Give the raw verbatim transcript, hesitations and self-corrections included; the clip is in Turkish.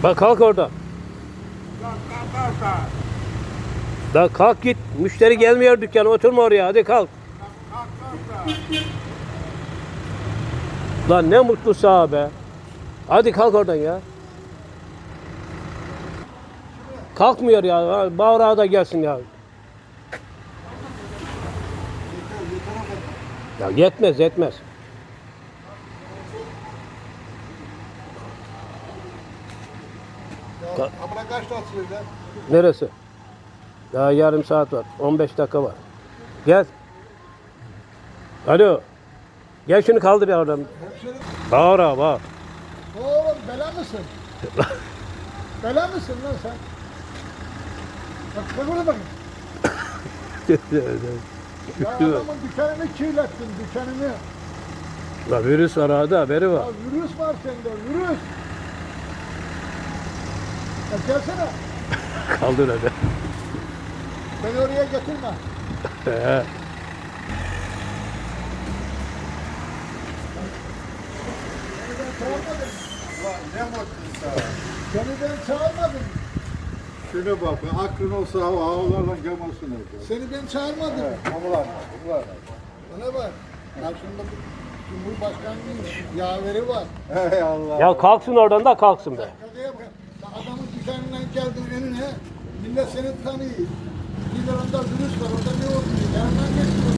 Bak kalk orada. Kalk kalk kalk. Da kalk git. Müşteri gelmiyor dükkana. Oturma oraya. Hadi kalk. Kalk kalk kalk. Lan ne mutlu sağ be. Hadi kalk oradan ya. Kalkmıyor ya. Bağırağı da gelsin ya. Ya yetmez yetmez. Ya, abla kaçta atılıyor lan? Neresi? Daha yarım saat var. on beş dakika var. Gel. Alo. Gel şunu kaldır ya oradan. Hemşerim. Bağır ha bağır. Oğlum bela mısın? Bela mısın lan sen? Bak bak oraya bakın. Ya adamın dükkanını kirlettin, dükkanını. La virüs var hadi haberi var. Ya virüs var sende, virüs. Ya gelsene. Kaldır hadi. Beni oraya getirme. He. Seni ben çağırmadım. Ulan ne mutlusun. Seni ben çağırmadım. Şuna bak, aklın olsa hava havalarla gelmesin orada. Seni ben çağırmadım. Havalar, havalar. Bana bak. Karşımda bir Cumhurbaşkanı'nın yaveri var. Hey Allah. Ya kalksın oradan da kalksın be. Şuraya bak. Adamın dükkanından geldin önüne. Millet seni tanıyor. Bir de onda virüs var. Orada ne oldu? Yanından geçiyor.